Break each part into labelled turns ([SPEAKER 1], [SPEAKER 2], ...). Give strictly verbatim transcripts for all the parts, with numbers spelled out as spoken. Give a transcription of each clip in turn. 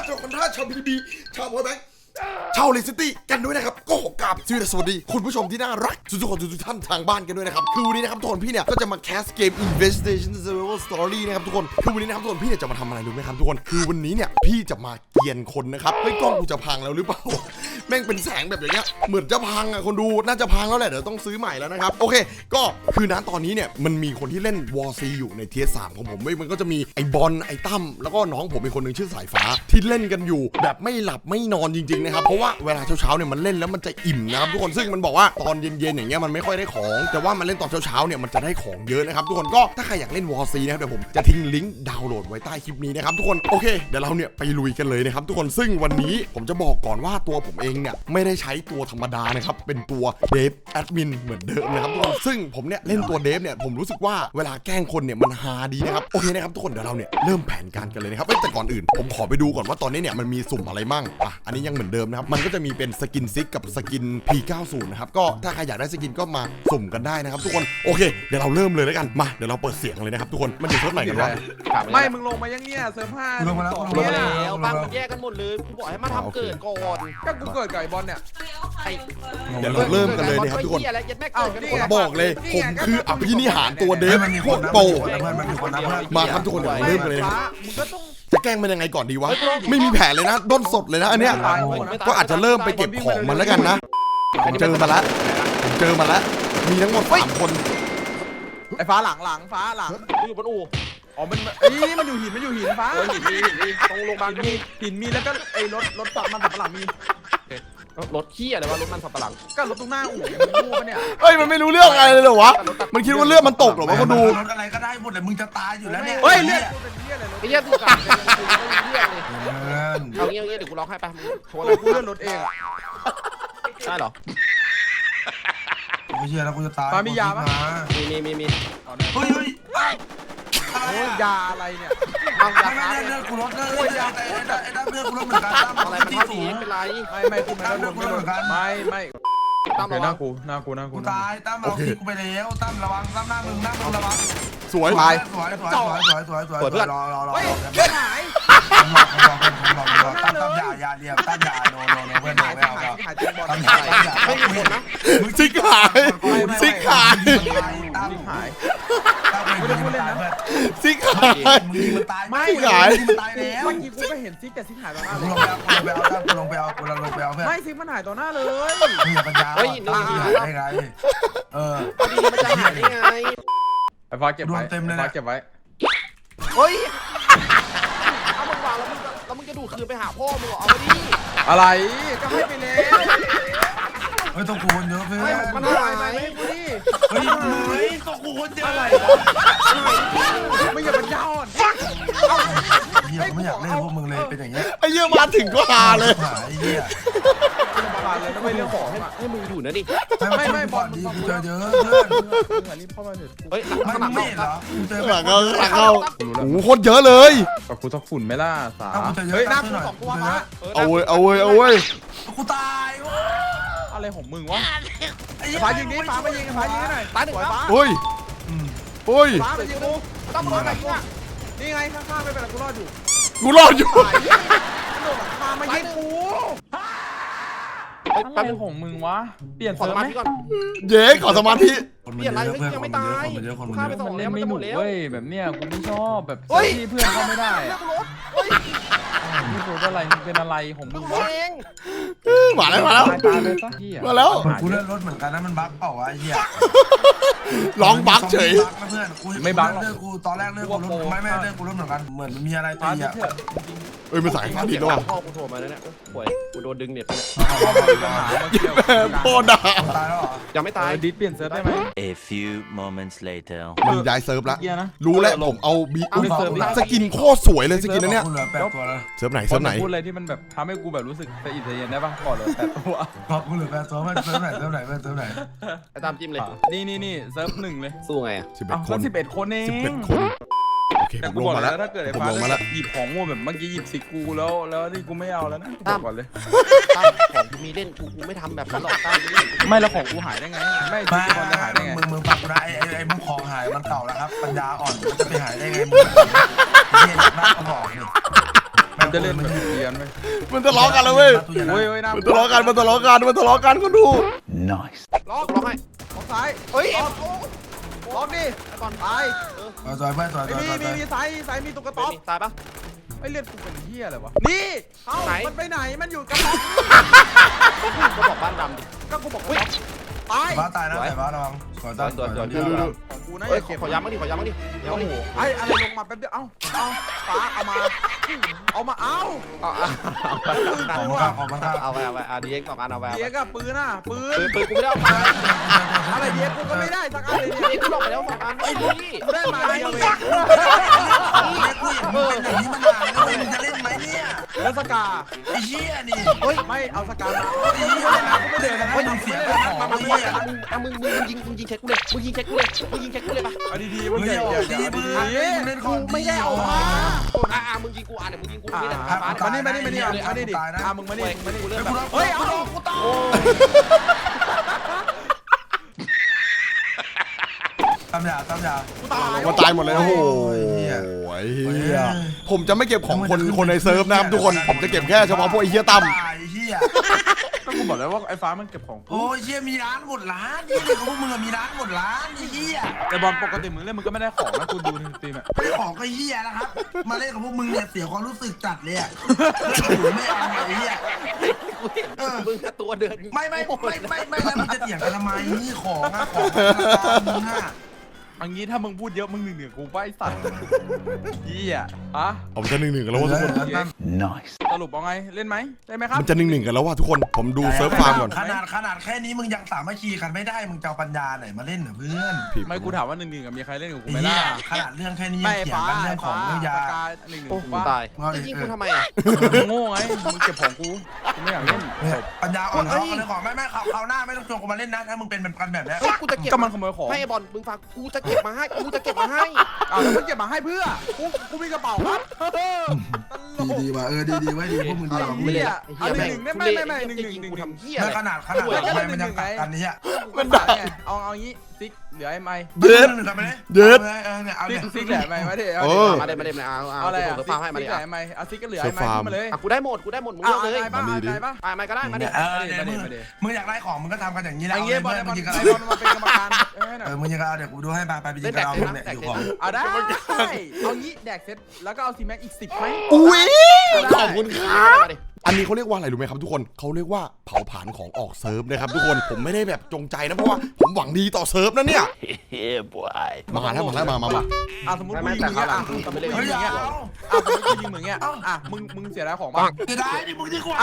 [SPEAKER 1] ชาวคอนท่าชาวบีบีชาวพอยแบงค์ชาวเลสตี้กันด้วยนะครับก็ขอกราบสวัสดีคุณผู้ชมที่น่ารักทุกคนทุกท่านทางบ้านกันด้วยนะครับคือวันนี้นะครับทุกคนพี่เนี่ยก็จะมาแคสเกม Investigation Survival Story นะครับทุกคนคือวันนี้นะครับทุกคนพี่เนี่ยจะมาทำอะไรรู้ไหมครับทุกคนคือวันนี้เนี่ยพี่จะมาเกียนคนนะครับเฮ้ยกล้องกูจะพังแล้วหรือเปล่าแม่งเป็นแสงแบบอย่างเงี้ยเหมือนจะพังอ่ะคนดูน่าจะพังแล้วแหละเดี๋ยวต้องซื้อใหม่แล้วนะครับโอเคก็คือณตอนนี้เนี่ยมันมีคนที่เล่น วอร์ ซี อยู่ในเทียร์สามของผมเว้ยมันก็จะมีไอ้บอลไอ้ตั้มแล้วก็น้องผมเป็นคนหนึ่งชื่อสายฟ้าที่เล่นกันอยู่แบบไม่หลับไม่นอนจริงๆนะครับเพราะว่าเวลาเช้าๆเนี่ยมันเล่นแล้วมันจะอิ่มนะครับทุกคนซึ่งมันบอกว่าตอนเย็นๆอย่างเงี้ยมันไม่ค่อยได้ของแต่ว่ามันเล่นตอนเช้าๆเนี่ยมันจะได้ของเยอะนะครับทุกคนก็ถ้าใครอยากเล่น วอร์ ซี นะครับเดี๋ยวผมจะทิ้งลิงก์ดาวน์โหลดไว้ใต้คลิปนี้นะครับทุกคนโอเคเดี๋ยวเราเนี่ยไปลุยกันเลยนะครับทุกคนซึ่งวันนี้ผมจะบอกก่อนว่าตัวผมเองเนี่ยไม่ได้ใช้ตัวธรรมดานะครับเป็นตัวเดฟแอดมินเหมือนเดิมนะครับทุกคนซึ่งผมเนี่ยเล่นตัวเดฟเนี่ยผมรู้สึกว่าเวลาแกล้งคนเนี่ยมันฮาดีนะครับโอเคนะครับทุกคนเดี๋ยวเราเนี่ยเริ่มแผนการกันเลยนะครับแต่ก่อนอื่นผมขอไปดูก่อนว่าตอนนี้เนี่ยมันมีสุ่มอะไรมั่งอ่ะอันนี้ยังเหมือนเดิมนะครับมันก็จะมีเป็นสกินซิกกับสกิน พี เก้าสิบ นะครับก็ถ้าใครอยากได้สกินก็มาสุ่มกันได้นะครับทุกคนโอเคเดี๋ยวเราเริ่มเลยแล้วกันมาเดี๋ยวเราเปิดเสียงเลยนะครับทุกคนมันอยู่เซิร์ฟไหนกันวะ
[SPEAKER 2] ไม่มึงลงมายังเนี่ยเซิร์ฟห้า
[SPEAKER 3] ลงมาแล้วลง
[SPEAKER 2] ล
[SPEAKER 3] มาง แล้
[SPEAKER 2] แล้ว วบ้านมันแยกกันหมดเลยกูบอกให้มาทำเกิดก่อนก็กูเกิดกับไอ้บอลเนี่ยไอ้
[SPEAKER 1] เดี๋ยวเราเริ่มกันเลยนะครับทุกคนผมบอกเลยผมคืออภินิหารตัวเดฟโคตรโปมาครับทุกคนเดี๋ยวเราเริ่มกันเลยนะครับจะแกล้งมันยังไงก่อนดีวะไม่มีแผนเลยนะด้นสดเลยนะอันเนี้ยก็อาจจะเริ่มไปเก็บของมันแล้วกันนะผมเจอมาแล้วผมเจอมาแล้วมีทั้งหมดสามคน
[SPEAKER 2] ไอ้ฟ้าหลังหลังฟ้าหลังอยู่บนอู่อ๋อมันเอ้ยมันอยู่หินมันอยู่หินฟ้าหินมีหินมีตรงโรงพยาบาลมีหินมีแล้วก็ไอ้รถรถมันสับปะหลังมีรถขี้อะไรวะรถมันสับปะหลังก็รถตรงหน้าอู่มันรู้ปะเนี่ย
[SPEAKER 1] เฮ้ยมันไม่รู้เรื่องอะไรเลยเหรอวะมันคิดว่าเลือดมันตกเหรอวะคนดู
[SPEAKER 3] รถอะไรก็ได้หมดเลยมึงจะตายอยู่แล้วเนี่ย
[SPEAKER 2] เฮ้ยเลือดไอ้เหี้ยถูกกัดเอาเงี้ยเอาเงี้ยเดี๋ยวกูร้องให้ไปโทรกูเลื่อนรถเองใช่หรอ
[SPEAKER 3] ไม่เชื่อแล้วกูจะตาย
[SPEAKER 2] มียาปะมีมีมีมี
[SPEAKER 3] เฮ้ยเฮ้ย
[SPEAKER 2] โอ้ยยาอะไรเนี่ย
[SPEAKER 3] บางยาเลือดกูลดเลือดยาไอ้ไอ้ด้านเลือดกูลดเหมือนกันตั้ม
[SPEAKER 2] อะไรมันเท่านี้เป็นไรไม่ไม่กูไม่ลดไม่ลดไม่ไม่ตั้มหน้ากูหน้ากูหน้ากู
[SPEAKER 3] ตายตั้มเราคิดกูไปแล้วตั้มระวังตั้มหน้ามึงหน้ามึงระวัง
[SPEAKER 1] สวย
[SPEAKER 3] สวยสวยสวยสวยสวยสวยสวยรอรอรอ
[SPEAKER 2] เพื่อนหาย
[SPEAKER 3] ผมรอผมรอผมรอผมรอตั้มตั้มยายาเดียวตั้มยาโนโนโนเพื่อนโนไม่เอาแล้วตั้มยาตั้มยาไม่มีคนนะ
[SPEAKER 1] ซิกหายซิกหาย
[SPEAKER 3] ตั้มหายตั้มไม่ได้พูดเล่นนะ
[SPEAKER 1] ซิกหาย
[SPEAKER 3] มึงมันตาย
[SPEAKER 1] ไม่หาย
[SPEAKER 3] มันตายแล้ว
[SPEAKER 2] เมื่อกี้กูก็เห็นซิกแต่ซิกหายต่อหน้าเลย
[SPEAKER 3] กูลงไปเอากูลงไปเอากูลงไปเอาเพื่อน
[SPEAKER 2] ไม่ซิกมันหายต่อหน้าเลย
[SPEAKER 3] มึงอย่าปัญญาเฮ้ยนี่ได้ไงเออ
[SPEAKER 2] ดีมันจะหายได้ไงไอ้ฟ้าเก็บไว้
[SPEAKER 3] เต็มเลยนะ
[SPEAKER 2] เก็บไว้เฮ้ยเอามึงวางแล้วมึงแล้วมึงจะดูดคืนไปหาพ่อมึงเหรอเอาไปดิอะไรก็ให้ไปแล้ว
[SPEAKER 3] เฮ้ยต้องกูคนเยอะเพื่อน
[SPEAKER 2] มันหายไหมให้กูดิ
[SPEAKER 3] เฮ้ยเฮ้ยต้องกูคนเยอะอะไร
[SPEAKER 2] ไม่อย่าเป็นยาวอ่ะ
[SPEAKER 3] เฮียไม่อยากเล่นพวกมึงเลยเป็นอย่างเงี้ย
[SPEAKER 1] ไอ้เหี้ยมาถึงก็หาเลย
[SPEAKER 3] ไอ้เหี้ย
[SPEAKER 2] มาเลยไม่เรื่องของให้ให้มึงดูนะดิ
[SPEAKER 3] ไม่ไม่บอลดีกูเจอเยอะเพื่อน
[SPEAKER 2] รีบเข้ามาเถอะเฮ้ยห
[SPEAKER 3] ลังไม่เหรอ
[SPEAKER 1] เจอหลังเขาหลังเขาโอ้โหโคตรเยอะเลย
[SPEAKER 2] กับกูต้องฝุ่นไหมล่ะสา
[SPEAKER 3] เฮ้ยหน้ากูสองตัววะเอาเว้ยเอา
[SPEAKER 1] เว้ยเอาเว้ย
[SPEAKER 3] กูตายเว้ย
[SPEAKER 2] อะไรของมึงวะฟ้ายิงนี้ฟ้ามายิงฟ้ายิงให้หน่อยตายหนึ่งฟ้า
[SPEAKER 1] เฮ้ยเฮ้ย
[SPEAKER 2] ฟ้ามายิงกูต้องรอดอะไรเนี่ยนี่ไงข้างๆไม่เป็นไรกูรอดอยู่
[SPEAKER 1] กูรอดอยู่
[SPEAKER 2] ฟ้ามายิงกูอะไรของมึงวะเปลี่ยนเซิร์ฟไหม
[SPEAKER 1] เย้ขอสมาธิ
[SPEAKER 2] เปลี่ยนอะไรเพื่อนยังไม่ตายข้าไปสองแล้วมันจะหมดแล้วเว้ยแบบเนี้ยกูไม่ชอบแบบที่เพื่อนเขาไม่ได้นี่ตัวอะไรเป็นอะไรของมึงวะ
[SPEAKER 1] มาแล้วมาแล้วมาแล้ว
[SPEAKER 3] กูเลื่อนรถเหมือนกันนะมันบั๊กเปล่าวะไอ้เหี้ย
[SPEAKER 1] ร้องบั๊กเฉย
[SPEAKER 3] เพื่อนกูไม่บั๊กเลิกกูตอนแรกเลิกกูรถไม่ไม่เลิกกูรถเหมือนกันเหมือนมันมีอะไรตีอ่ะ
[SPEAKER 1] เอ้ยมันสายฟ้าดินด้วย
[SPEAKER 2] พ่อกูโทรมาแล้วเนี่ยป่วยกูโดนดึงเน็ตไปเนี่ย
[SPEAKER 1] พ่อด่า
[SPEAKER 3] ตายแล้วเหรอ
[SPEAKER 2] ยังไม่ตายดิสเปลี่ยนเซิร์ฟได้ไหม
[SPEAKER 4] A few moments later
[SPEAKER 1] มันย้ายเซิร์ฟแล้วรู้แล้วผมเอาบีสกินโคตรสวยเลยสกินนั้นเนี่ยเซิร์ฟไหนเซิร์ฟไหน
[SPEAKER 2] พูดอะไรที่มันแบบทำให้กูแบบรู้สึกสะอิดสะเย็นได้ป่ะก่อนเลยแปดตัว
[SPEAKER 3] ขอบคุณเหลือแปดตัวมันเซิร์ฟไหนเซิร์ฟไหนเซิร์ฟไหน
[SPEAKER 2] ไปตามจิ้มเลยนี่นี่นี่เซิร์ฟหนึ่งเลยสู้ไงอ่ะ
[SPEAKER 1] สิบเอ็ดคน
[SPEAKER 2] สิบเอ็ดคนเอง
[SPEAKER 1] สิบเอ็ดคนโอเคผมลงมาแล้ว
[SPEAKER 2] ถ้าเกิดไอ้ฟ้าหยิบของโง่แบบเมื่อกี้หยิบสิกูแล้วแล้วนี่กูไม่เอาแล้วนะก่อนเลยของกูมีเล่นกูกูไม่ทำแบบนั้นหรอกไม่แล้วของกูหายได้ไงไม่ที่มันจะหายได้ไง
[SPEAKER 3] มึงมึงปักได้ไอ้ไอ้มึงของหายมันเก่าแล้วครับปัญญาอ่อนมันจะไปหายได้ไงมึงเนี่ยนักบอกนี่
[SPEAKER 2] มันจะเล่นแบบเดีรียนไป
[SPEAKER 1] มันทะเลาะกันแล้วเว้ย
[SPEAKER 2] โอ้ยโอ้ยนะ
[SPEAKER 1] มันทะเลาะกันมันทะเลาะกันมันทะเลาะกันก็ดู
[SPEAKER 2] ล็อกล็อกให้ล็อกซ้ายเฮ้ยล็อกดิไอ้บอลตาย
[SPEAKER 3] สวยเพื่อนสวย
[SPEAKER 2] ไอ้
[SPEAKER 3] สวย
[SPEAKER 2] มี
[SPEAKER 3] สวย
[SPEAKER 2] มีมีซ้ายซ้ายมีตุ๊กตา
[SPEAKER 5] ตายปะ
[SPEAKER 2] ไอ้เลือดกูเป็นเหี้ยอะไรวะนี่เอ้ามันไปไหนมันอยู่กับล็อก
[SPEAKER 5] ก็บอกบ้านดำดิ
[SPEAKER 2] ก็กูบอกว่าตาย
[SPEAKER 3] บ้าตายนะแต่บ้าระวังสวยตายสวย
[SPEAKER 2] ของกูนะ
[SPEAKER 5] เฮ้
[SPEAKER 2] อย ย่าเก็บ
[SPEAKER 5] ขอย้ำบ้างดิขอย้ำบ้างดิ
[SPEAKER 2] โอ้โหไอ้อะไรลงมาแป๊บเดียวเอ้าเอาฟ้าเอามาเอามาเอา
[SPEAKER 5] เอา
[SPEAKER 3] ของมันข้าของมันข้า
[SPEAKER 5] เอาไปเอาไปเอาดีเอ็กสองอันเอาไป
[SPEAKER 2] เดียกับปืนน่ะปืน
[SPEAKER 5] ปืนปืนกูไม่ได้เอาไป
[SPEAKER 2] อะไรเดียกูก็ไม่ได้สักอันเลย
[SPEAKER 5] ดีเอ็กกูหลอกไปแล้วสองอันไอ้พี่
[SPEAKER 2] กูได้มาเดียวเอง
[SPEAKER 3] กูเห็นมึงเป็นอย่างนี้มานานแล้วมึงจะเล่นไหมเนี่ย
[SPEAKER 2] แล้วสกา
[SPEAKER 3] ไอ้เหี้ยนี่
[SPEAKER 2] เฮ้ยไม่เอาสกามา
[SPEAKER 3] ไอ้เหี้ยนะกูไม่เดินนะมึงเสียของ
[SPEAKER 5] มา
[SPEAKER 3] ไอ้
[SPEAKER 5] มึง
[SPEAKER 3] เหี้ย
[SPEAKER 5] มึงมึงมึงยิงมึงยิงเช็คกูเลยมึงยิงเช็คกูเลยมึงยิงเช็คกูเลยปะ
[SPEAKER 2] เอาดีๆมึ
[SPEAKER 3] มึ
[SPEAKER 2] ง
[SPEAKER 3] ง
[SPEAKER 2] ใหญ่
[SPEAKER 3] อย่า
[SPEAKER 2] ใหญ่
[SPEAKER 3] ตี
[SPEAKER 2] เอา
[SPEAKER 3] มื
[SPEAKER 2] ดี
[SPEAKER 3] อมึงเล่นของ
[SPEAKER 5] ไม่ได้เอา
[SPEAKER 3] มา
[SPEAKER 5] อ่ะอ่ะมึงยิงกูอ่ะเดี๋ยวมึงยิงกูนี่แหละ
[SPEAKER 2] ๆมานี่มานี่มานี่มานี่ดิอ่ะมึงมานี่มึงมานี่
[SPEAKER 5] กูเริ่ม
[SPEAKER 3] เฮ้ยเอากูต่อ ตำยาตำยา
[SPEAKER 2] กูตาย
[SPEAKER 1] มันตายหมดเลยโอ้โห
[SPEAKER 3] เหี้ย
[SPEAKER 1] ไอ้เหี้ยผมจะไม่เก็บของคนคนในเซิร์ฟนะครับทุกคนผมจะเก็บแค่เฉพาะพวกไอ้เหี้ยตั้ม
[SPEAKER 3] ตายเหี้ย
[SPEAKER 2] ก็กูบอกแล้วว่าไอ้ฟ้ามันเก็บของ
[SPEAKER 3] โอ้ยเหี้ยมีร้านหมดร้านนี่เลยของพวกมึงมีร้านหมดร้านไอ้เหี้ย
[SPEAKER 2] ไอ้บอลปกติมึงเล่นมึงก็ไม่ได้ของนะกูดูในสตรีมอ่ะ
[SPEAKER 3] ไม่ของก็เหี้ยนะครับมาเล่นกับพวกมึงเนี่ยเสียความรู้สึกจัดเลยอ่ะไม่เอาไอ้เหี้ย
[SPEAKER 5] กูเห็นมึงตัวเดิน
[SPEAKER 3] ไม่ไม่ไม่ไม่ไม่แล้วมึงจะเถียงกันทำไมนี่ของอะของมึงอะ
[SPEAKER 2] อันนี้ถ้ามึงพูดเยอะมึงหนึ่งเหนือกูไปสัตว์ยี่อ่ะฮะ
[SPEAKER 1] ผมจะหนึ่งหนึ่งกันแล้วว่าทุกคน
[SPEAKER 2] สรุปเอาไงเล่นไหมได้ไหมครับ
[SPEAKER 1] มันจะหนึ่งหนึ่งกันแล้วว่าทุกคนผมดูเซิร์ฟฟาร์มก่อน
[SPEAKER 3] ขนาดขนาดแค่นี้มึงยังสามัคคีกันไม่ได้มึงจะเอาปัญญาไหนมาเล่นเหรอเพื่อน
[SPEAKER 1] ผิด
[SPEAKER 2] ไม่กูถามว่าหนึ่งหนึ่งมีใครเล่นกับกู
[SPEAKER 3] ไอ้
[SPEAKER 2] ไหม
[SPEAKER 3] เหี้
[SPEAKER 2] ล่ะ
[SPEAKER 3] ยขนาดเรื่องแค่นี้
[SPEAKER 2] ไม่
[SPEAKER 3] ยังเถียง
[SPEAKER 2] ฟ้า
[SPEAKER 3] กันเรื่องของเรื่องยา
[SPEAKER 2] สกาหนึ่งหนึ่ง
[SPEAKER 5] โอ้
[SPEAKER 2] กู
[SPEAKER 5] โห
[SPEAKER 2] ว่า
[SPEAKER 5] ตายจะยิงกูทำไมอ่ะ
[SPEAKER 2] โง่ไงมึงเก็บของกูกูไม่อยากเล่น
[SPEAKER 3] เนี่ยปัญญาอ่อนเขาเอาเรื่องของไม่ไม่เขาเขาหน้าไม่ต้องชวนกูมาเล่นนะถ้ามึงเป็นแบบกันแบบเนี้ย
[SPEAKER 5] เฮ้ยกูจะเก็บ
[SPEAKER 2] ก็มันขโมยของ
[SPEAKER 5] ให้ไอ้บอลมึงฟังกูจะเก็บมาให้กูจะเก็บมาให้
[SPEAKER 2] อ้าวแล้วมึงเก็บมาให้เพื่อกูกูมีกระเป๋าครับตล
[SPEAKER 3] ดี
[SPEAKER 2] ก
[SPEAKER 3] ดีว่ะเออดีดีไว้ดีพวกมึงดี
[SPEAKER 2] ไอ้
[SPEAKER 3] ว่ะ
[SPEAKER 2] เหี้ยเอาหนึ่งหนึ่งได้ไหมไม่ไม่หนึ่งห
[SPEAKER 5] จะ
[SPEAKER 2] นึ่ง
[SPEAKER 5] ยิง
[SPEAKER 2] หนึ่ง
[SPEAKER 5] กู
[SPEAKER 2] หนึ่ง
[SPEAKER 5] ทำเหี้ย
[SPEAKER 3] ไม่
[SPEAKER 5] อะไร
[SPEAKER 3] ขนาดขนาดทำไมมันยังกัดกันเนี่ย
[SPEAKER 2] มันได้ไงเอาเอางี้ซิกเหลือไอ้ไม้
[SPEAKER 3] เด็ดกันไปเลยเด็ดเออเนี่ยเอา
[SPEAKER 2] ซิ
[SPEAKER 3] เนี่ย
[SPEAKER 2] กซิกเหลือไอ้ไม้มาดิเอา
[SPEAKER 1] เอ
[SPEAKER 2] ดิ
[SPEAKER 1] อ
[SPEAKER 5] มาได้มาได้มาเอาเอา
[SPEAKER 2] เอาอะไร
[SPEAKER 5] ผ
[SPEAKER 2] อ่ะ
[SPEAKER 5] ม
[SPEAKER 2] ซิก
[SPEAKER 5] ฟาร์มให้มา
[SPEAKER 2] ซิ
[SPEAKER 5] ดิ
[SPEAKER 2] กเหลือ
[SPEAKER 5] อ่ะ
[SPEAKER 2] ไอ้ไม้เอาซิกก็เหลือไอ้ไม้ขึ้นมาเลย
[SPEAKER 5] อ่ะกูได้หมดกูได้หมดมึง
[SPEAKER 2] เอา
[SPEAKER 5] เลือกเลย
[SPEAKER 2] อะไรบ้างอะไรบ้าง
[SPEAKER 5] อ่ะมาก็ได้มาดิ
[SPEAKER 3] เออเนี่ยมึงมึงอยากได้ของมึงก็ทำกันอย่างนี้แหละ
[SPEAKER 2] ไอ้
[SPEAKER 3] เอา
[SPEAKER 2] เงี้ยบอล
[SPEAKER 3] เลย
[SPEAKER 2] ไอ้บอ
[SPEAKER 3] มึ
[SPEAKER 2] ล
[SPEAKER 3] งยิงกัน
[SPEAKER 2] ไอ้บอลมาเป็นกรรมการให้หน่อ
[SPEAKER 3] เอย อมึงยิงกันเดี๋ยวกูดูให้ไปไปไปยิงกันเอาเนี่ยอยู่ของ
[SPEAKER 2] เอาได้เอางี้แดกเซตแล้วก็เอาซีแม็กอีกสิบไหม
[SPEAKER 1] อุ้ยขอบคุณครับ
[SPEAKER 5] มาดิ
[SPEAKER 1] อันนี้เขาเรียกว่าอะไรรู้ไหมครับทุกคนเขาเรียกว่าเผาผลาญของออกเซิร์ฟนะครับทุกคนผมไม่ได้แบบจงใจนะเพราะว่าผมหวังดีต่อเซิร์ฟนะเนี่ย
[SPEAKER 4] Yeah, boy.
[SPEAKER 1] มาแล้วมาแล้วมามามา
[SPEAKER 2] อ่ะสมมติกูยิงมึงเงี้ยอ่ะสมมติกูยิง
[SPEAKER 3] เฮ้ย
[SPEAKER 2] มึง
[SPEAKER 3] อย่า
[SPEAKER 2] เงี้ย
[SPEAKER 3] เอา
[SPEAKER 2] อ่ะสมมติกูยิงมึงเงี้ยอ่ะมึงมึงเสียดายของบ้าง
[SPEAKER 3] จะได้ดิมึงดีกว่า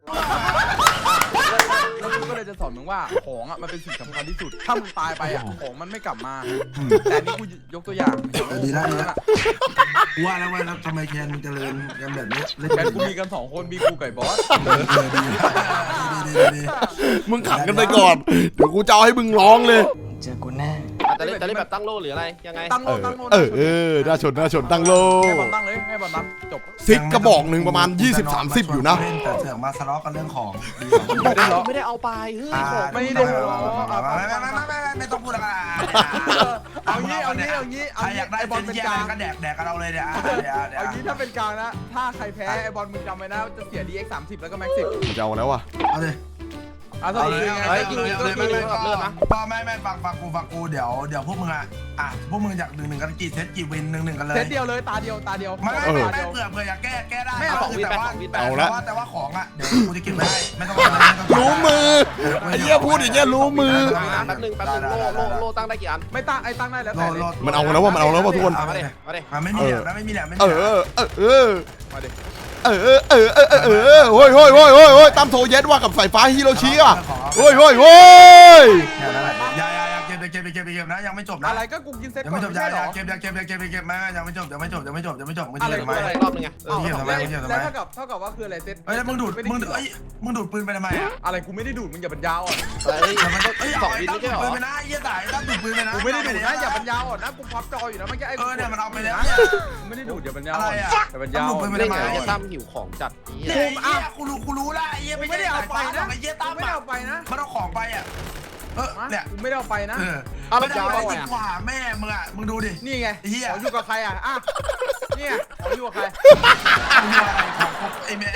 [SPEAKER 2] แล้วกูก็เลยจะสอนมึงว่าของอ่ะมันเป็นสิ่งสำคัญที่สุด ถ้ามึงตายไปอ่ะของมันไม่กลับมา แต่นี่กูยกตัวอย่าง
[SPEAKER 3] ดีแล้วดีแล้วว่าแล้วว่าแล้วทำไมแคนมึงเจริญกันแบบนี้เล่น
[SPEAKER 2] แค่กูมีกันสองคนมีกูไก่บอส
[SPEAKER 3] ดีดีดีดี
[SPEAKER 1] มึงขังกันไปก่อนเดี๋ยวกูจะเอาให้มึงร้องเลย
[SPEAKER 5] จะเล่นจะเล่นแบบตั้งโล่หรืออะไรยังไง
[SPEAKER 2] ตั้งโล
[SPEAKER 1] เออ
[SPEAKER 2] ตั้งโล
[SPEAKER 1] เออเออน่าชนน่าชนตั้งโล
[SPEAKER 2] ให้บอลตั้งเลยให้บอลตั้งจบ
[SPEAKER 1] ซิกกระบอกหนึ่งประมาณ ยี่สิบ สามสิบ อยู่นะ
[SPEAKER 3] เล่นแต่เสือกมาทะเลาะกันเรื่องของดี
[SPEAKER 2] ไม่ได้หรอ
[SPEAKER 5] ไม่ได้เอาไปเฮ้ยของ
[SPEAKER 2] ไม่ได้หรอ
[SPEAKER 3] ไม่ไม่ไม่ไม่ไม่ไม่ต้องพูดอะไร
[SPEAKER 2] เอางี้เอางี้เอางี้เอา
[SPEAKER 3] ใครอ
[SPEAKER 2] งี้
[SPEAKER 3] ยากได้
[SPEAKER 2] ไอบอล
[SPEAKER 3] เป็
[SPEAKER 2] เป็น น
[SPEAKER 3] แย่
[SPEAKER 2] กลาง
[SPEAKER 3] ก็แดกแดกกันเราเลยเนี่ยเดี๋ยวเดี๋ยว
[SPEAKER 2] เอางี้ถ้าเป็นกลางนะ ถ้าใครแพ้ไอบอลมึงจำไว้นะจะเสีย ดี เอ็กซ์ สามสิบแล้วก็แม็กซ์สิบ
[SPEAKER 1] มันจะเอาแล้ววะ
[SPEAKER 3] เอาเลย
[SPEAKER 2] อ่ะส
[SPEAKER 3] เอา
[SPEAKER 2] รุป
[SPEAKER 3] เลย
[SPEAKER 2] คือไง
[SPEAKER 3] เอาเลยไม่ไม่ก็ไม่ไม่ฟังฟังกูฟังกูเดี๋ยวเดี๋ยวพวกมึงอ่ะอ่ะพวกมึงอยากหนึ่งหนึ่งกันกี่เซตกี่วินหนึ่งหนึ่งกันเลย
[SPEAKER 2] เซตเดียวเลยตาเดียวตาเดียว
[SPEAKER 3] ไม่ไม่
[SPEAKER 1] เออ
[SPEAKER 3] ไม่เผื่อเผื่ออยากแก้แก้ได้
[SPEAKER 2] ไม่เอา
[SPEAKER 3] คือแต่ว่า
[SPEAKER 1] เอาละ
[SPEAKER 3] แต่ว่าแต่ว่าของอ่ะเดี๋ยวกูจะเก็บไว้ให้ไม่ต้องไม่ต้อง
[SPEAKER 1] รู้มือไอ้เหี้ยพูดอย่างเงี้ยรู้มือ
[SPEAKER 5] แป๊บนึงแป๊บนึงโล่โล่โล่ตั้งได้กี่อัน
[SPEAKER 2] ไม่ตั้งไอ้ตั้งได้แล้วแต่เลย
[SPEAKER 1] มันเอาแล้วว่ามันเอาแล้วว่าทุกคน
[SPEAKER 5] มาดิมาดิ
[SPEAKER 3] มันไม่มีแหลมนะไม่มีแหลมไม่
[SPEAKER 1] เอ
[SPEAKER 3] มีแหลม
[SPEAKER 1] อเออเออ
[SPEAKER 2] มาดิ
[SPEAKER 1] เออเออเออเออเออเออโอ้ยโอ้ยโอ้ยโอ้ยโอ้ยตามโทเย็ดว่ากับสายฟ้าฮิโรชิอ่ะโอ้ยโอ้ยโอ้ย
[SPEAKER 3] อย่าอย่าอย่าเก็บเก็บเก็บเก็บนะยังไม่จบนะ
[SPEAKER 2] อะไรก็กูกินเซต
[SPEAKER 3] ยัง
[SPEAKER 2] ก่อ
[SPEAKER 3] ไม่
[SPEAKER 2] น
[SPEAKER 3] จบ
[SPEAKER 2] ไม่
[SPEAKER 3] อย่า
[SPEAKER 2] ใช่
[SPEAKER 3] อ
[SPEAKER 2] หร
[SPEAKER 3] ย่า
[SPEAKER 2] อ
[SPEAKER 3] เก็บอย่าเก็บอย่าเก็บอย่าเก็บไม่ยังไม่จบยังไม่จบยังไม่จบยังไม่จบมึง
[SPEAKER 2] อะไร
[SPEAKER 3] จะทำไม
[SPEAKER 5] อะไรรอบนึงไง
[SPEAKER 2] อ้าว
[SPEAKER 3] เก็บทำไมเก็บทำไม
[SPEAKER 2] แล้วเท่ากับเท่ากับว่าคืออะไรเซต
[SPEAKER 3] เฮ้ยมึงดูดมึงเอ้ยมึงดูดปืนไปทำไมอ่ะ
[SPEAKER 2] อะไรกูไม่ได้ดูดมึงอย่าบรรยาวอ่ะ
[SPEAKER 5] อะไร
[SPEAKER 3] แต่มันต้องเอ้ย
[SPEAKER 5] ส
[SPEAKER 3] ส
[SPEAKER 5] อ
[SPEAKER 3] อง ง
[SPEAKER 5] วิ
[SPEAKER 3] วิ
[SPEAKER 5] น
[SPEAKER 3] น
[SPEAKER 5] ไม่
[SPEAKER 3] ไม่
[SPEAKER 5] ใช่
[SPEAKER 3] ใช่
[SPEAKER 5] หรอ
[SPEAKER 3] หรอปืนไปนะไอ้เหี้ยสายต้องดูดปืนไปนะ
[SPEAKER 2] กูไม่ได้ดูดนะอย่าบรรยาวอ่ะนะกูพับจออยู่นะเมื่อกี้ไอ้
[SPEAKER 3] เออเนี่ยมันเอาไปแล้วเนี่ย
[SPEAKER 2] ไม่ได้ดูดอย่าบรรยาว
[SPEAKER 3] อะไรอ่ะ
[SPEAKER 2] อย่าบรรยาว
[SPEAKER 5] เล่นไงจะตั้มหิวของจัด
[SPEAKER 3] เนี่ยไอ้เหี้ยกูรู้กูรู้ละไอ้เหี้ย
[SPEAKER 2] กู
[SPEAKER 3] ไม่
[SPEAKER 2] ไม่
[SPEAKER 3] ได้
[SPEAKER 2] ได้
[SPEAKER 3] เอา
[SPEAKER 2] เอา
[SPEAKER 3] ไป
[SPEAKER 2] ไป
[SPEAKER 3] นะ
[SPEAKER 2] นะ
[SPEAKER 3] ไอ้เหี้ยตาม
[SPEAKER 2] ไม่ได้เอาไปนะ
[SPEAKER 3] มันเอาของไปอ่ะเออเนี่ย
[SPEAKER 2] กูไม่ได้เอาไปนะ
[SPEAKER 3] เออ
[SPEAKER 5] เอา
[SPEAKER 3] ไม่
[SPEAKER 5] แล้ว
[SPEAKER 3] ได้
[SPEAKER 5] จะ
[SPEAKER 3] เอา
[SPEAKER 5] เอา
[SPEAKER 3] ไป
[SPEAKER 5] ไง
[SPEAKER 3] กว่าแม่มึงอ่ะมึงดูดิ
[SPEAKER 2] นี่ไง
[SPEAKER 3] ไอ้เหี้ย
[SPEAKER 2] ขออยู่กับใครอ่ะอ่ะเนี่ยขออยู่กับใคร
[SPEAKER 3] มึงอะไรของไอ้แม่ไอ้ไม้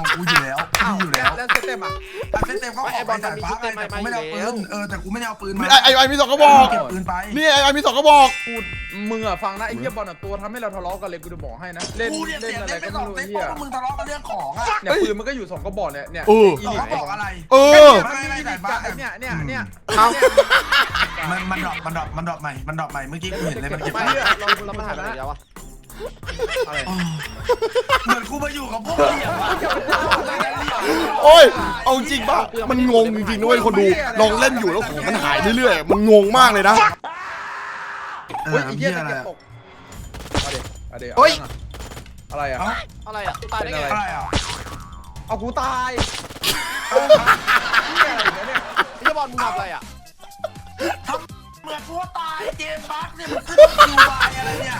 [SPEAKER 3] กูอยู่แล้วกูอยู่แล้ว
[SPEAKER 2] แล้วเซตเต็มอ่ะ
[SPEAKER 3] แต่เซตเต็มก็ขอไปสายฟ้าไปแต่กูไม่ได้เอาปืนเออแต่กูไม่ได้เอาปืนมา
[SPEAKER 1] ไอไอไอมีสองกระบอก
[SPEAKER 3] เก็บปืนไป
[SPEAKER 1] นี่ไอไอมีสองกระบอก
[SPEAKER 2] กูมึงอ่ะฟังนะไอ้เหี้ยบอลอ่ะตัวทำให้เราทะเลาะกันเลยกูจะบอกให้นะเล่น
[SPEAKER 3] กูเนี่ย
[SPEAKER 2] เล่
[SPEAKER 3] เสี
[SPEAKER 2] น
[SPEAKER 3] ย
[SPEAKER 2] อะไร
[SPEAKER 3] เล่นไป
[SPEAKER 2] ก็
[SPEAKER 3] ส
[SPEAKER 2] ไม่
[SPEAKER 3] อง
[SPEAKER 2] รู้
[SPEAKER 3] เซต
[SPEAKER 2] ไอ้
[SPEAKER 3] เพ
[SPEAKER 2] เหี้ย
[SPEAKER 3] ราะมึงทะเลาะกันเรื่องของอ่ะ
[SPEAKER 2] เนี่ยปืนมันก็อยู่สองกระบอกเนี่ยเนี่ย
[SPEAKER 1] เออ
[SPEAKER 2] อี
[SPEAKER 3] สอง
[SPEAKER 2] ลิ
[SPEAKER 3] ก
[SPEAKER 2] ท
[SPEAKER 3] ระบอกอะไร
[SPEAKER 1] เออ
[SPEAKER 2] มันมีอีลิทกับไอ้เนี่ยเนี่ยเนี่ย
[SPEAKER 5] เอา
[SPEAKER 3] มันมันดรอปมันดรอปมันดรอปใหม่มันดรอปใหม่เมื่อกี้กูเห็นเลยมันเก็บ
[SPEAKER 5] ไม่
[SPEAKER 3] ไป
[SPEAKER 5] เราเรามาหาอะไรแล้ววะ
[SPEAKER 2] อะไร
[SPEAKER 3] เหมือนกูมาอยู่กับพวกเหลี่ยมอะ
[SPEAKER 1] โอ้ยเอาจริงป่ะมันงงจริงๆนะเว้ยคนดูลองเล่นอยู่แล้วของมันหายเรื่อยๆมันงงมากเลยนะ
[SPEAKER 3] เอ
[SPEAKER 2] เฮ้
[SPEAKER 3] อย
[SPEAKER 2] ไอ้
[SPEAKER 3] เหี้
[SPEAKER 2] เหี้
[SPEAKER 3] ย
[SPEAKER 2] ย
[SPEAKER 3] อะไร
[SPEAKER 2] จะเก็บตกเอาเดี๋ยวเอาดี๋ยว
[SPEAKER 5] เฮ้ย
[SPEAKER 2] อะไรอ่ะ
[SPEAKER 3] เอ้า
[SPEAKER 5] อะไรอ่ะตายได้ไง
[SPEAKER 3] อะไรอ่ะ
[SPEAKER 2] เอากูตาย
[SPEAKER 3] เอ้า
[SPEAKER 2] เหี้ยอะไรเนี่ย
[SPEAKER 5] ไอ้บอลมึงทำอะไรอ่ะ
[SPEAKER 3] ทำเหมือนกูตายเกมบั๊กเนี่ยมันขึ้นคิวบายอะไรเนี่ย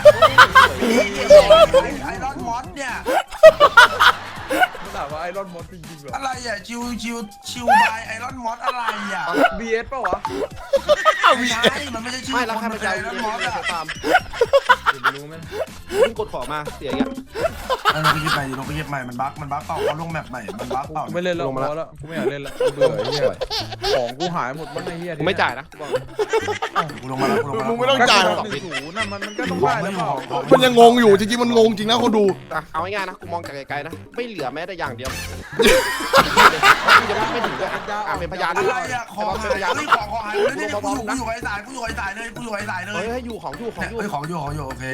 [SPEAKER 3] ไอรอนมอสเนี่ย
[SPEAKER 2] มันถามว่าไอรอนมอสจริงๆเหรอ
[SPEAKER 3] อะไรอ่ะชิวชิวชิวบายไอรอนมอสอะไรอ่ะ
[SPEAKER 2] บี เอส ป่ะวะ
[SPEAKER 3] ไม่ใช่มันไม่ใช่ชื่อ
[SPEAKER 5] ไม่แล้ว
[SPEAKER 3] ค
[SPEAKER 5] ใคร
[SPEAKER 3] น
[SPEAKER 5] มา
[SPEAKER 3] มัน
[SPEAKER 5] ใจ
[SPEAKER 3] เป็นไอรอนมอส
[SPEAKER 5] เรีย
[SPEAKER 3] อ่ะ
[SPEAKER 5] นตาม
[SPEAKER 2] ไม่รู้ไหม
[SPEAKER 5] มึงกดของมาเสียอย่างเงี้ย
[SPEAKER 3] ลงไปเก็บใหม่ลงไปเก็บใหม่มันบั๊กมันบั๊กเปล่าเขาลงแมปใหม่มันบั๊กเปล่า
[SPEAKER 2] กูไม่เล่นแล้วพอแล้วกูไม่อยากเล่นแล้วกูเบื่อไอ้เหี้ยของกูหายหมดมันไอ้เหี้ย
[SPEAKER 5] กูไม่จ่ายนะบอก
[SPEAKER 3] กูลงมาแล้วกูลงมาแล้ว
[SPEAKER 1] มึงไม่ต้องจ่ายหรอก
[SPEAKER 2] หนึ่งศูนย์น่ะมันมันก็ต้องได้แล้วเปล่า
[SPEAKER 1] มันยังงงอยู่จริงๆมันงงจริงนะคนดู
[SPEAKER 5] อ่ะเอาง่ายๆนะกูมองจากไกลๆนะไม่เหลือแม้แต่อย่างเดียวกูจะไม่ถึงด้วยอ่ะเป็นพยาน
[SPEAKER 3] อะไร
[SPEAKER 5] ด้วย
[SPEAKER 3] อ่ะขอ
[SPEAKER 5] เป็น
[SPEAKER 3] หาย
[SPEAKER 5] พยาน
[SPEAKER 3] เฮ้ยของของหายเลยเนี่ยกูอยู่กูอยู่ไอ้สายกูอยู่ไอ้สายเลยกูอยู่ไอ้สายเล
[SPEAKER 5] เฮ้
[SPEAKER 3] ย
[SPEAKER 5] ยให้อยู่ของอยู่ของ
[SPEAKER 3] เนี่ย
[SPEAKER 5] อยู่
[SPEAKER 3] เฮ้ยของอยู่ของอยู่โอเค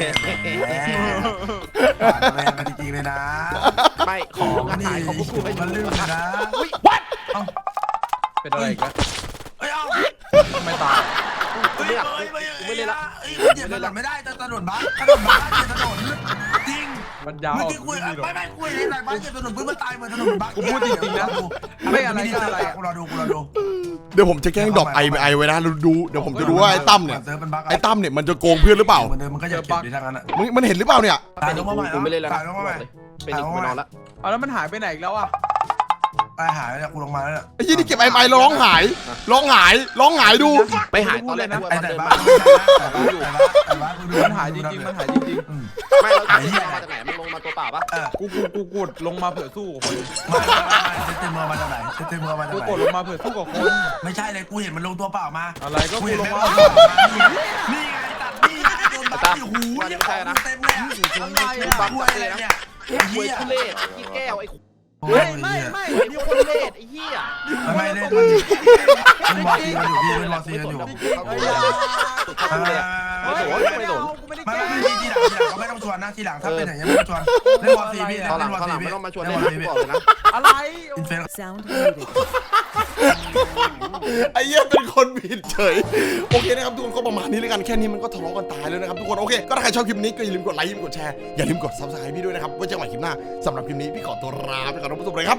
[SPEAKER 3] ผ่านแรงกันจริงๆเลยนะ
[SPEAKER 5] ไม่ข
[SPEAKER 3] ข
[SPEAKER 5] อ
[SPEAKER 3] อง ง
[SPEAKER 5] งาน
[SPEAKER 3] นี่
[SPEAKER 5] หายของพวกกูไม่
[SPEAKER 3] มันลืมเลยนะ
[SPEAKER 5] อุ้ย what
[SPEAKER 2] เป็นอะไรกัน
[SPEAKER 3] เฮ้ยเอา
[SPEAKER 2] ไม่ตาย
[SPEAKER 3] เฮ้ยเฮ้ยเฮ้ยเฮ้ยเฮ้ยเหยียบถนนไม่ได้ถนนบ้าถนนบ้าเหยียบถนนจริง
[SPEAKER 2] มันยาว
[SPEAKER 3] เมื่อกี้คุยไม่ไม่คุยในสายบ้าเหยียบถนนพื้นมันตายเหมือนถนนบ้ากูรอดูกูรอดู
[SPEAKER 1] เดี๋ยวผมจะแกล้งดรอปไอไอไว้นะดูเดี๋ยวผมจะดูว่าไอ้ตั้มเนี่ยไอ้ตั้มเนี่ยมันจะโกงเพื่อนหรือเปล่า
[SPEAKER 3] เหมือนเดิมมันก็จะเก็บดีทั้งนั้นอ่ะ
[SPEAKER 1] มันมันเห็นหรือเปล่าเนี่ย
[SPEAKER 3] ตายลงมาใหม่
[SPEAKER 5] กูไม่เล่นแล้ว
[SPEAKER 3] ตายลงมาใหม่
[SPEAKER 5] เป็นอีกกูนอนละ
[SPEAKER 2] เอาแล้วมันหายไปไหนอีกแล้วอ่ะ
[SPEAKER 3] ตายหายแล้วกูลงมาแล้ว
[SPEAKER 1] ไอ้ยี่นี่เก็บไอไอร้องหายร้องหายร้องหายดู
[SPEAKER 5] ไปหายตอนแรกนะ
[SPEAKER 3] ไอ้แต่
[SPEAKER 5] เดิน
[SPEAKER 3] บ้า
[SPEAKER 5] มา
[SPEAKER 3] แต่บ้าอยู่แต่บ้ากูดู
[SPEAKER 2] มันหายจริงๆมันหายจริง
[SPEAKER 5] ไม่เราจะมาจากไหนมันลงมาตัวเปล่าปะ
[SPEAKER 3] เออ
[SPEAKER 2] ๆกูกูกูกดลงมาเผื่อสู้กับคน
[SPEAKER 3] ไม่เต็มมือมาจากไหนเต็มมือมาจาก
[SPEAKER 2] กู
[SPEAKER 3] ไหน
[SPEAKER 2] กดลงมาเผื่อสู้กับคน
[SPEAKER 3] ไม่ใช่เลยกูเห็นมันลงตัวเปล่ามา
[SPEAKER 2] อะไรก็
[SPEAKER 3] กู
[SPEAKER 2] กู
[SPEAKER 3] เห็น
[SPEAKER 2] ล
[SPEAKER 3] แม่
[SPEAKER 2] ง
[SPEAKER 3] ง
[SPEAKER 2] มา
[SPEAKER 3] ลงตัวเปล่ามานี่ไงตัดนี่ไงโดนบัฟหูยังเต็มเลยอ่ะ
[SPEAKER 2] อะไร
[SPEAKER 5] บั
[SPEAKER 2] อ่ะ
[SPEAKER 5] ง
[SPEAKER 3] กู
[SPEAKER 5] จั
[SPEAKER 3] อะ
[SPEAKER 5] บ
[SPEAKER 3] ไร
[SPEAKER 5] เลยนะ
[SPEAKER 3] เนี่ย
[SPEAKER 5] หวยทุเรศขี้แก้วไอ้
[SPEAKER 2] ไม่ไม่ไม่
[SPEAKER 5] ไอ้คนทุเรศไอ้เหี้ย
[SPEAKER 3] ไม่เล่นมันวอซีกันอยู่พี่เป็นวอซีกันอยู่
[SPEAKER 2] ไอ้ยา
[SPEAKER 3] ไม่ไม่
[SPEAKER 2] ไม่โดนไม่โดนกูไม่ได้
[SPEAKER 3] ไม่
[SPEAKER 2] แกล้ง
[SPEAKER 3] ไม่ทีหลังทีหลังเขาไม่ต้องชวนนะทีหลังถ้าเป็นอย่างนี้ไม่ต้องชวนเล่นวอซีพี่
[SPEAKER 5] เขาหลั
[SPEAKER 3] เล่
[SPEAKER 5] ง
[SPEAKER 3] นวอ
[SPEAKER 5] เขาห
[SPEAKER 3] ซี
[SPEAKER 5] ลัง
[SPEAKER 3] พี่
[SPEAKER 5] ไม่ต้องมาชวน
[SPEAKER 3] เล่
[SPEAKER 5] เล่
[SPEAKER 3] น
[SPEAKER 5] น
[SPEAKER 3] วอซีพี่
[SPEAKER 5] นะกูบอกเลยนะ
[SPEAKER 2] อะไร
[SPEAKER 3] อินเฟน
[SPEAKER 6] Sound muted.
[SPEAKER 1] ไอ้เหี้ยเป็นคนผิดเฉยโอเคนะครับทุกคนก็ประมาณนี้แล้วกันแค่นี้มันก็ทะเลาะกันตายแล้วนะครับทุกคนโอเคก็ถ้าใครชอบคลิปนี้ก็อย่าลืมกดไลค์อย่าลืมกดแชร์อย่าลืมกดซับสไครต์พี่ด้วยนะครับไว้เจอกันใหม่คลิปหน้าสำหรับคลิปนี้พี่ขอตัวลาไปก่อนนะผู้ชมเลยครับ